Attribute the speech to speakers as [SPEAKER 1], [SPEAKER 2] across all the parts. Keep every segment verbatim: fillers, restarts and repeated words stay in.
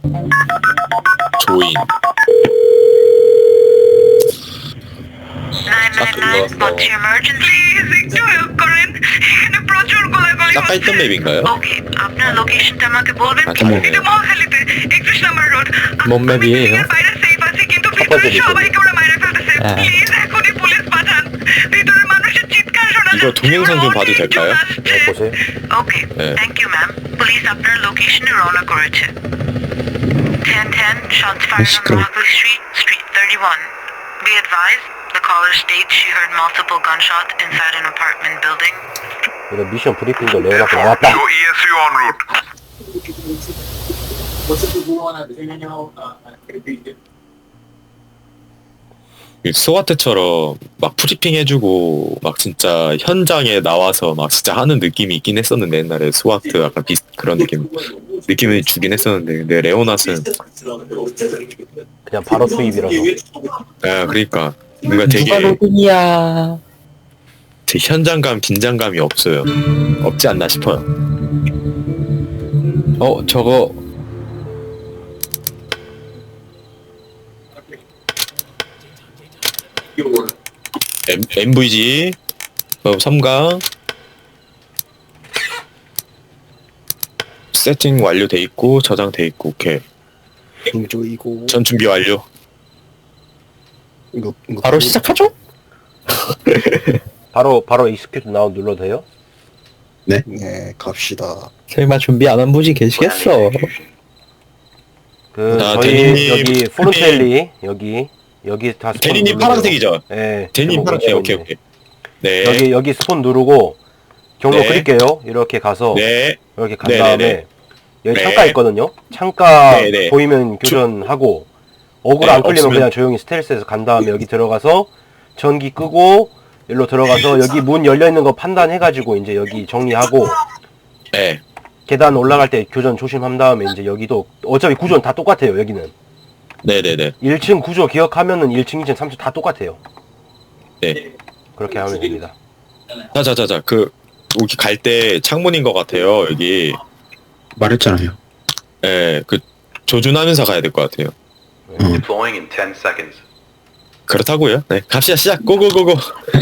[SPEAKER 1] 조인. 아까 있던 맵인가요? 아,
[SPEAKER 2] 네.
[SPEAKER 3] 뭔 맵이에요?
[SPEAKER 2] 첫 번째 미션.
[SPEAKER 3] 아,
[SPEAKER 1] 이거 동영상 좀 봐도 될까요?
[SPEAKER 2] 네, 보세요.
[SPEAKER 4] Okay,
[SPEAKER 1] 네.
[SPEAKER 4] thank you, ma'am. Police আপনার লোকেশনে রওনা করেছে। ten ten shots fired on
[SPEAKER 3] 시끄러워.
[SPEAKER 4] Rockley Street, Street thirty-one. Be advised, the caller states she heard multiple gunshots inside an apartment building.
[SPEAKER 2] 이런 미션 브리핑도 레오나가 나왔다.
[SPEAKER 5] Your E S U en route.
[SPEAKER 1] 스와트처럼 막 프리핑 해주고 막 진짜 현장에 나와서 막 진짜 하는 느낌이 있긴 했었는데 옛날에 스와트 약간 비슷 그런 느낌 느낌을 주긴 했었는데 근데 레오나스는
[SPEAKER 2] 그냥 바로 투입이라서.
[SPEAKER 1] 아 그러니까 뭔가 되게
[SPEAKER 3] 누가 로빈이야?
[SPEAKER 1] 되게 현장감 긴장감이 없어요. 없지 않나 싶어요.
[SPEAKER 3] 어, 저거
[SPEAKER 1] M, 엠브이지 어, 삼강 세팅 완료돼 있고 저장돼 있고 오케이
[SPEAKER 6] 중조이고
[SPEAKER 1] 전 준비 완료.
[SPEAKER 6] 이거, 이거
[SPEAKER 3] 바로 시작하죠?
[SPEAKER 2] 바로 바로 익스큐트 나우 눌러도 돼요?
[SPEAKER 6] 네, 네 갑시다.
[SPEAKER 3] 설마 준비 안 한 분이 계시겠어?
[SPEAKER 2] 그
[SPEAKER 1] 자,
[SPEAKER 2] 저희
[SPEAKER 1] 데니님,
[SPEAKER 2] 여기 포르텔리 여기 여기 다 스폰
[SPEAKER 1] 데니님
[SPEAKER 2] 누르고요.
[SPEAKER 1] 파란색이죠?
[SPEAKER 2] 네.
[SPEAKER 1] 데님
[SPEAKER 2] 제목
[SPEAKER 1] 파란색
[SPEAKER 2] 보시면
[SPEAKER 1] 오케이
[SPEAKER 2] 이제.
[SPEAKER 1] 오케이 네
[SPEAKER 2] 여기 여기 스폰 누르고 경로
[SPEAKER 1] 네.
[SPEAKER 2] 그릴게요. 이렇게 가서
[SPEAKER 1] 네
[SPEAKER 2] 이렇게 간
[SPEAKER 1] 네,
[SPEAKER 2] 다음에
[SPEAKER 1] 네, 네.
[SPEAKER 2] 여기
[SPEAKER 1] 네.
[SPEAKER 2] 창가 있거든요. 창가
[SPEAKER 1] 네, 네.
[SPEAKER 2] 보이면 교전하고 어글
[SPEAKER 1] 네,
[SPEAKER 2] 안 끌리면
[SPEAKER 1] 없으면-
[SPEAKER 2] 그냥 조용히 스텔스에서 간 다음에 여기 들어가서 전기 끄고 일로 들어가서 여기 문 열려 있는 거 판단해가지고 이제 여기 정리하고
[SPEAKER 1] 네.
[SPEAKER 2] 계단 올라갈 때 교전 조심한 다음에 이제 여기도 어차피 구조는 다 똑같아요. 여기는
[SPEAKER 1] 네네네.
[SPEAKER 2] 일 층 구조 기억하면은 일 층, 이 층, 삼 층 다 똑같아요.
[SPEAKER 1] 네.
[SPEAKER 2] 그렇게 하면 됩니다.
[SPEAKER 1] 자자자자 그 여기 갈 때 창문인 것 같아요 여기.
[SPEAKER 6] 말했잖아요.
[SPEAKER 1] 예, 그 조준하면서 가야 될 것 같아요.
[SPEAKER 5] Deploying in ten seconds.
[SPEAKER 1] 그렇다고요? 네, 갑시다 시작. 고고고고.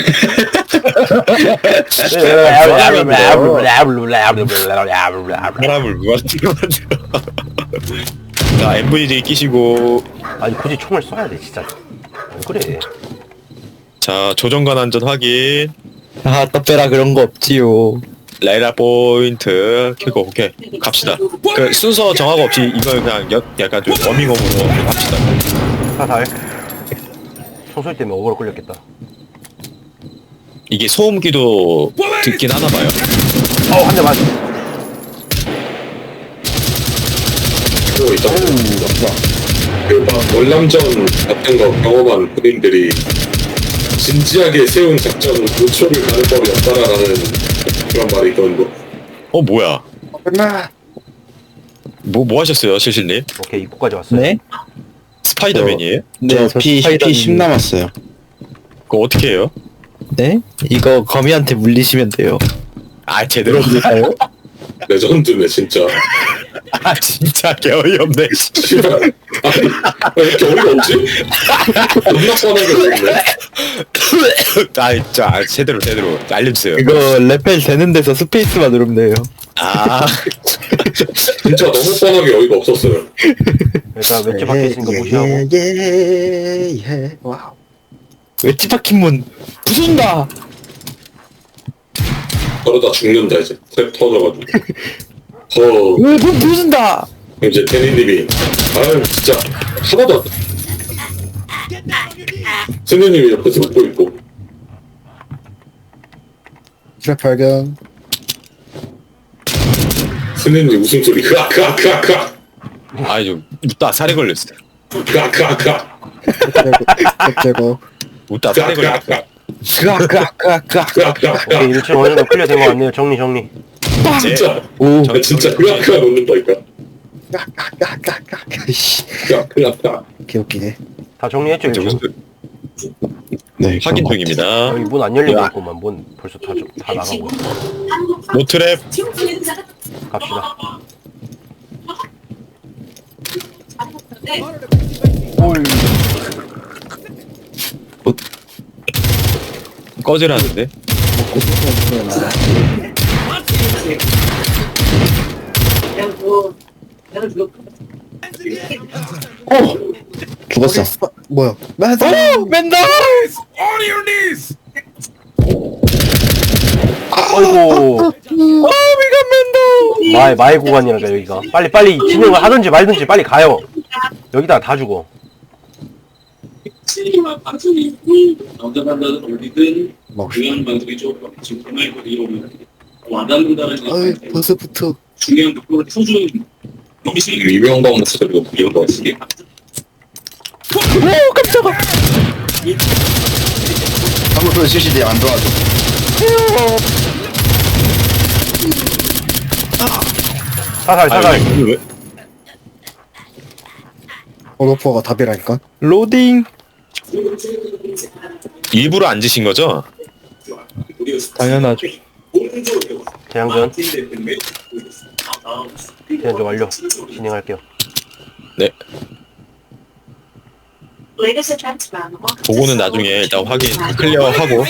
[SPEAKER 1] 사람을 무한대로 만들어. 자, 엠브이디 끼시고
[SPEAKER 2] 아니 굳이 총을 쏴야 돼 진짜. 안 그래.
[SPEAKER 1] 자 조정관 안전 확인.
[SPEAKER 3] 아, 떡배라 그런 거 없지요.
[SPEAKER 1] 라이라 포인트 켜고 오케이 갑시다. 그 순서 정하고 없이 이걸 그냥 여, 약간 좀 워밍업으로 합시다.
[SPEAKER 2] 사살. 총소리 때문에 어그로 끌렸겠다.
[SPEAKER 1] 이게 소음기도 듣긴 하나 봐요.
[SPEAKER 2] 어, 한 대 맞.
[SPEAKER 7] 그리고 있다. 그막 월남전 같은 거 경험한 군인들이 진지하게 세운 작전 노초를 가는 법이 없다라는 그런 말이 있거든요.
[SPEAKER 1] 어 뭐야?
[SPEAKER 6] 끝나.
[SPEAKER 1] 뭐 뭐 하셨어요, 실실님?
[SPEAKER 2] 오케이 입구까지 왔어요.
[SPEAKER 3] 네?
[SPEAKER 1] 스파이더맨이에요?
[SPEAKER 3] 네,
[SPEAKER 6] 저 피, 피 십 남았어요.
[SPEAKER 1] 그거 어떻게 해요?
[SPEAKER 3] 네? 이거 거미한테 물리시면 돼요.
[SPEAKER 1] 아 제대로.
[SPEAKER 3] 그럴까요?
[SPEAKER 7] 레전드네 진짜.
[SPEAKER 1] 아 진짜 개어이없네.
[SPEAKER 7] 씨발. 아니 왜 이렇게 어이가 없지? 겁나 뻔하게 생겼네.
[SPEAKER 1] 아 진짜 아, 제대로 제대로 알려주세요.
[SPEAKER 3] 이거 레펠 되는 데서 스페이스만 누르면 돼요.
[SPEAKER 1] 아
[SPEAKER 7] 진짜 너무 뻔하게 어이가 없었어요.
[SPEAKER 2] 그러니까 왼쪽 밖에 있으니까 무시하고.
[SPEAKER 6] 예예예. 와우.
[SPEAKER 3] 웨지 박힌 문 부순다.
[SPEAKER 7] 그러다 죽는다 이제. 탭 터져가지고. 어
[SPEAKER 3] 왜문 부순다.
[SPEAKER 7] 이제 테니님이 아유 진짜 하나도 안. 승현님이 옆에서 웃고 있고.
[SPEAKER 6] 트랩 발견.
[SPEAKER 7] 승현님 웃음소리 크악 크악 크악 크악
[SPEAKER 1] 아니 좀 웃다 살에 걸렸어.
[SPEAKER 7] 크악 크악 크악
[SPEAKER 6] 트랩 제거.
[SPEAKER 1] 웃다 살에
[SPEAKER 7] 크악
[SPEAKER 1] 걸렸어.
[SPEAKER 7] 크악
[SPEAKER 3] 까까까까.
[SPEAKER 7] 크악 크악
[SPEAKER 2] 오케이 일 층 어느 정도 클리어 된 거 같네요. 정리 정리.
[SPEAKER 7] 진짜
[SPEAKER 3] 오.
[SPEAKER 7] 아, 진짜 크악 크악 웃는다니까.
[SPEAKER 6] 까까까까까. 씨.
[SPEAKER 7] 크악 크악 크악.
[SPEAKER 6] 개웃기네.
[SPEAKER 2] 다 정리했죠 일 층.
[SPEAKER 1] 무슨
[SPEAKER 6] 네.
[SPEAKER 1] 확인 중입니다.
[SPEAKER 2] 여기 문 안 열리고 있구만. 문 벌써 다, 다 나가고 있어.
[SPEAKER 1] 노트랩
[SPEAKER 2] 갑시다. 올.
[SPEAKER 1] 꺼지라는데?
[SPEAKER 6] 죽었어. 아, 뭐야? 맞아.
[SPEAKER 3] 오! 맨날!
[SPEAKER 2] 아이고.
[SPEAKER 3] 아, 미간 맨날!
[SPEAKER 2] 마의 마의 구간이라니까 여기가. 빨리 빨리 진행을 하든지 말든지 빨리 가요. 여기다가 다 죽어.
[SPEAKER 7] 시니마 방송이 남자 만나는 올리든
[SPEAKER 6] 막,
[SPEAKER 7] 중요한 방송이죠. 지금 코로나십구 이후로 와닿는다는
[SPEAKER 6] 아이, 벌써부터.
[SPEAKER 7] 중요한 부분을 표준 유명한 방송 쓰고 유명한 방송 쓰게
[SPEAKER 3] 오, 깜짝아!
[SPEAKER 6] 아무도 실시대 안 도와줘.
[SPEAKER 2] 사살 사살.
[SPEAKER 1] 아니, 왜?
[SPEAKER 6] 어로퍼가 답이라니까.
[SPEAKER 3] 로딩!
[SPEAKER 1] 일부러 앉으신 거죠?
[SPEAKER 3] 당연하죠.
[SPEAKER 2] 대항전. 대항전 완료. 진행할게요.
[SPEAKER 1] 네.
[SPEAKER 8] Ladies and gentlemen, welcome to
[SPEAKER 1] 그거는
[SPEAKER 8] Seoul
[SPEAKER 1] 나중에 일단 확인
[SPEAKER 8] International
[SPEAKER 1] 클리어하고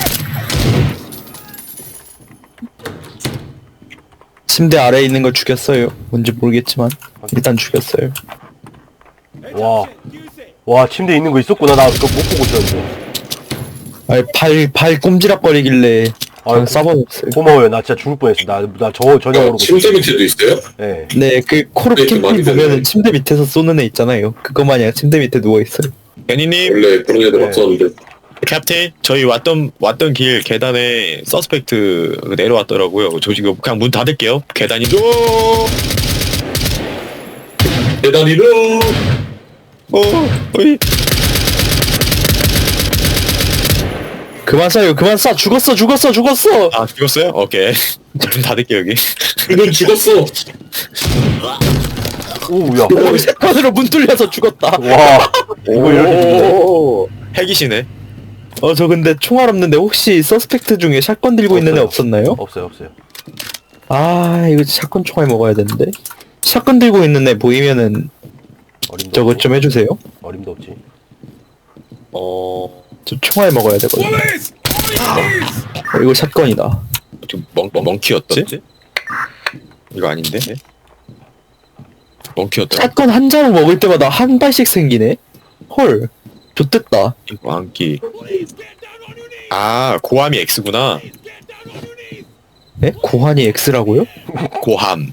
[SPEAKER 3] 침대 아래에 있는 걸 죽였어요. 뭔지 모르겠지만 일단 죽였어요.
[SPEAKER 2] 와. 와 침대 있는 거 있었구나. 나 그거 못 보고 있었는데.
[SPEAKER 3] 아니 발, 발 꼼지락거리길래
[SPEAKER 2] 아유,
[SPEAKER 3] 그냥 써버렸어요.
[SPEAKER 2] 고마워요. 나 진짜 죽을 뻔했어. 나나 저 전혀 모르고.
[SPEAKER 7] 침대 밑에도 있어요?
[SPEAKER 2] 네.
[SPEAKER 3] 네, 그 코르
[SPEAKER 7] 네, 좀
[SPEAKER 3] 캠핑
[SPEAKER 7] 많이
[SPEAKER 3] 보면은
[SPEAKER 7] 됐네.
[SPEAKER 3] 침대 밑에서 쏘는 애 있잖아요. 그거 마냥 침대 밑에 누워있어요.
[SPEAKER 1] 베니님,
[SPEAKER 7] 원래 그런 애들
[SPEAKER 2] 네.
[SPEAKER 7] 없었는데
[SPEAKER 1] 캡틴, 저희 왔던 왔던 길 계단에 서스펙트 내려왔더라고요. 저 지금 그냥 문 닫을게요. 계단이 오,
[SPEAKER 7] 계단이로
[SPEAKER 1] 오, 어이.
[SPEAKER 3] 그만 쏴요, 그만 쏴! 죽었어, 죽었어, 죽었어!
[SPEAKER 1] 아 죽었어요? 오케이. 문 닫을게요 여기.
[SPEAKER 7] 이건 죽었어.
[SPEAKER 2] 오우야.
[SPEAKER 3] 오, 세컨으로 문 뚫려서 죽었다.
[SPEAKER 2] 와. 이거 이렇게 죽네.
[SPEAKER 1] 오, 핵이시네.
[SPEAKER 3] 어, 저 근데 총알 없는데 혹시 서스펙트 중에 샷건 들고 있는 애
[SPEAKER 2] 없어요.
[SPEAKER 3] 없었나요?
[SPEAKER 2] 없어요 없어요.
[SPEAKER 3] 아, 이거 샷건 총알 먹어야 되는데. 샷건 들고 있는 애 보이면은
[SPEAKER 2] 어림도
[SPEAKER 3] 저것
[SPEAKER 2] 없지.
[SPEAKER 3] 좀 해주세요.
[SPEAKER 2] 어림도 없지.
[SPEAKER 1] 어,
[SPEAKER 3] 저 총알 먹어야 되거든요. 어, 이거 샷건이다.
[SPEAKER 1] 지금 멍 멍키였지? 이거 아닌데? 멍키였다.
[SPEAKER 3] 샷건 한 자루 먹을 때마다 한 발씩 생기네? 헐. 좋댔다.
[SPEAKER 1] 이거 안기. 아 고함이 X구나.
[SPEAKER 3] 에? 고환이 X라고요?
[SPEAKER 1] 고함.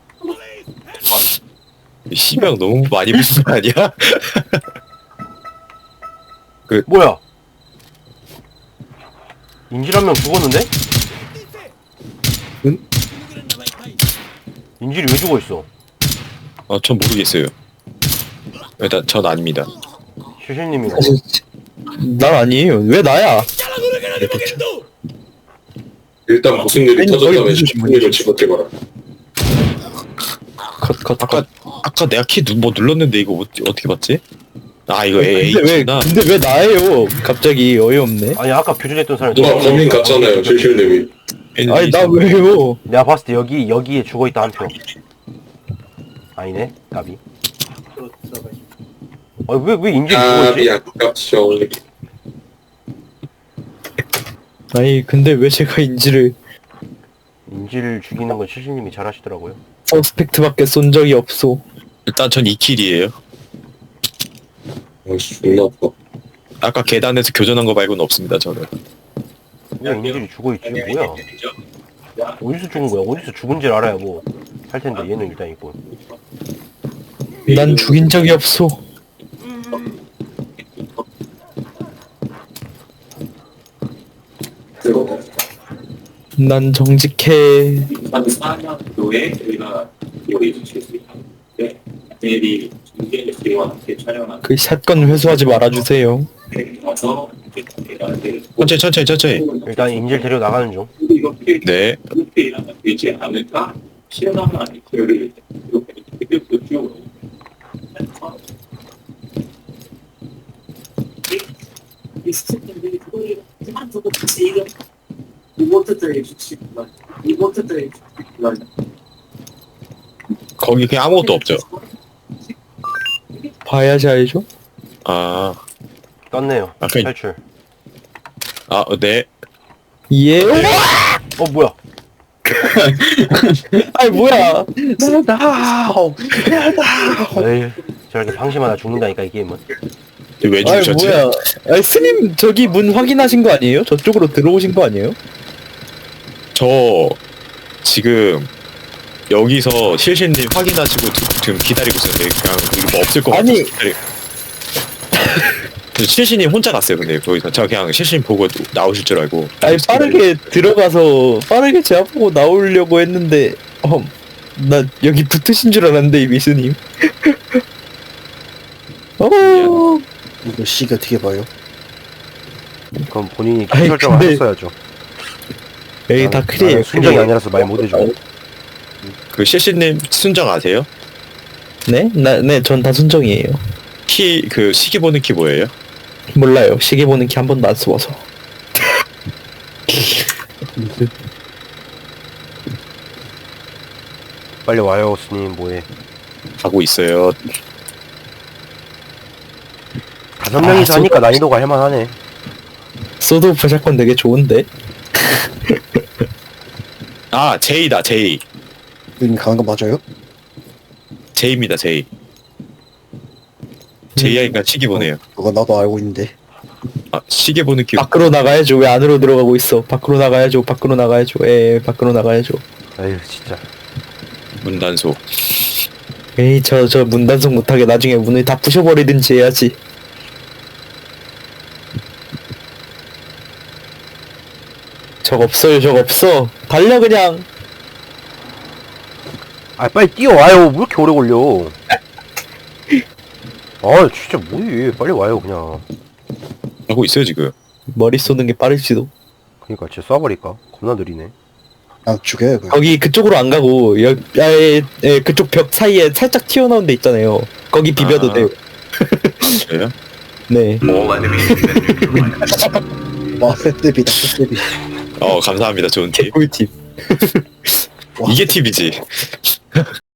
[SPEAKER 1] 씨명 너무 많이 붙은 거 아니야?
[SPEAKER 2] 뭐야? 인질 한 명 죽었는데?
[SPEAKER 3] 응?
[SPEAKER 2] 인질이 왜 죽어 있어?
[SPEAKER 1] 어, 전 모르겠어요. 일단 전 아닙니다.
[SPEAKER 2] 슈실님이
[SPEAKER 3] 사실 난 아니에요. 왜 나야?
[SPEAKER 7] 일단 무슨 일이
[SPEAKER 3] 아니,
[SPEAKER 7] 터졌다면
[SPEAKER 3] 거의 무슨
[SPEAKER 7] 십분일을 집어들거라.
[SPEAKER 3] 컷, 컷,
[SPEAKER 1] 아까
[SPEAKER 3] 컷.
[SPEAKER 1] 아까 내가 키 뭐 눌렀는데 이거 어떻게, 어떻게 봤지? 아 이거
[SPEAKER 3] 근데 왜,
[SPEAKER 1] H구나.
[SPEAKER 3] 근데 왜 나예요? 갑자기 어이없네.
[SPEAKER 2] 아니 아까 교전했던 사람이
[SPEAKER 7] 누가 범인 같잖아요, 실실님이.
[SPEAKER 3] 아니, 나 왜요?
[SPEAKER 2] 내가 봤을 때 여기 여기에 죽어 있다 한 표. 아니네, 까비. 아왜왜 왜 인질이 죽어
[SPEAKER 7] 아,
[SPEAKER 2] 있지?
[SPEAKER 7] 미안, 깝쇼.
[SPEAKER 3] 아니, 근데 왜 제가 인지를
[SPEAKER 2] 인질 죽이는 건 슈실님이 잘하시더라고요.
[SPEAKER 3] 서스펙트밖에 쏜 적이 없소.
[SPEAKER 1] 일단 전 이 킬이에요.
[SPEAKER 7] 아이씨, 존나 아파.
[SPEAKER 1] 아까 계단에서 교전한 거 말고는 없습니다 저는.
[SPEAKER 2] 왜 인질이 죽어 있지? 뭐야? 어디서 죽은 거야? 어디서 죽은지를 알아야 뭐 할 텐데 얘는 일단 있고.
[SPEAKER 3] 난 죽인 적이 없소. 난 정직해.
[SPEAKER 7] 한 사 년도에 저희가 요리 주실 수 있는데 내일이 중계 씨와 함께 촬영한
[SPEAKER 3] 그 샷건 회수하지 말아주세요.
[SPEAKER 7] 와서
[SPEAKER 1] 천천히 천천히 천천히.
[SPEAKER 2] 일단 인질 데려 나가는 중.
[SPEAKER 7] 이렇게
[SPEAKER 1] 네.
[SPEAKER 7] 이렇게 일하면 되지 않을까? 시원하면 아니고 여기 이렇게 이렇게 쭉
[SPEAKER 8] 이 스태프분들이 그거를 그만두고 같이 이런 리모트들이 주시구만. 리모트들이 주시구만.
[SPEAKER 1] 거기 그냥 아무것도 없죠.
[SPEAKER 3] 봐야지 알죠?
[SPEAKER 1] 아,
[SPEAKER 2] 떴네요.
[SPEAKER 1] 아까 이-
[SPEAKER 2] 탈출.
[SPEAKER 1] 아, 네.
[SPEAKER 3] 예.
[SPEAKER 2] 어 뭐야?
[SPEAKER 3] 아이 뭐야?
[SPEAKER 2] 에이 저렇게 방심하다 죽는다니까 이 게임은.
[SPEAKER 1] 왜
[SPEAKER 3] 아이
[SPEAKER 1] 죽으셨지?
[SPEAKER 3] 뭐야? 아이 스님 저기 문 확인하신 거 아니에요? 저쪽으로 들어오신 거 아니에요?
[SPEAKER 1] 저 지금 여기서 실신님 확인하시고 지- 지금 기다리고 있었는데 그냥 이거 뭐 없을 것 같아서
[SPEAKER 3] 아니.
[SPEAKER 1] 기다리... 실신님 혼자 갔어요. 근데 거기서 저 그냥 실신 보고 나오실 줄 알고.
[SPEAKER 3] 아니 빠르게 들어가서 빠르게 제 앞보고 나오려고 했는데 어, 나 여기 붙으신 줄 알았는데 이 미스님. 어.
[SPEAKER 6] 이거 씨가 어떻게 봐요?
[SPEAKER 2] 그럼 본인이
[SPEAKER 3] 아이,
[SPEAKER 2] 설정을
[SPEAKER 3] 근데-
[SPEAKER 2] 하셨어야죠.
[SPEAKER 3] 여기 다
[SPEAKER 2] 나는-
[SPEAKER 3] 클리에요.
[SPEAKER 2] 나는 순정이 아니라서 말 못해줘.
[SPEAKER 1] 그 실신님 순정 아세요?
[SPEAKER 3] 네? 나, 네, 전 다 순정이에요.
[SPEAKER 1] 키 그 시계 보는 키 뭐예요?
[SPEAKER 3] 몰라요. 시계 보는 키 한 번도 안 써봐서.
[SPEAKER 2] 빨리 와요 스님 뭐해?
[SPEAKER 1] 가고 있어요.
[SPEAKER 2] 다섯 명이서
[SPEAKER 3] 아,
[SPEAKER 2] 하니까 난이도가 할만하네.
[SPEAKER 3] 소드 오프 샷건 되게 좋은데?
[SPEAKER 1] 아 제이다 제이.
[SPEAKER 6] 여기 가는 거 맞아요?
[SPEAKER 1] 제이입니다 제이. 제이아이가 시계 보네요.
[SPEAKER 6] 그거 나도 알고 있는데.
[SPEAKER 1] 아 시계 보는 키.
[SPEAKER 3] 밖으로 나가야죠. 왜 안으로 들어가고 있어? 밖으로 나가야죠. 밖으로 나가야죠. 에 밖으로 나가야죠.
[SPEAKER 2] 에휴 진짜.
[SPEAKER 1] 문단속.
[SPEAKER 3] 에이, 저, 저 문단속 못하게 나중에 문을 다 부셔버리든지 해야지. 적 없어요, 적 없어. 달려, 그냥.
[SPEAKER 2] 아 빨리 뛰어와요. 왜 이렇게 오래 걸려? 아 진짜 뭐해? 빨리 와요 그냥.
[SPEAKER 1] 하고 있어요 지금.
[SPEAKER 3] 머리 쏘는 게 빠를지도.
[SPEAKER 2] 그니까 진짜 쏴버릴까? 겁나 느리네.
[SPEAKER 6] 아 죽여요 그냥.
[SPEAKER 3] 거기 그쪽으로 안 가고, 여, 에, 에, 그쪽 벽 사이에 살짝 튀어나온 데 있잖아요. 거기 비벼도
[SPEAKER 1] 아.
[SPEAKER 3] 돼요.
[SPEAKER 1] 그래요?
[SPEAKER 3] 네.
[SPEAKER 5] All enemies have been neutralized.
[SPEAKER 6] 와 셋대비다 셋대비.
[SPEAKER 1] 어 감사합니다 좋은 팁.
[SPEAKER 3] 꿀팁.
[SPEAKER 6] 와.
[SPEAKER 1] 이게 팁이지.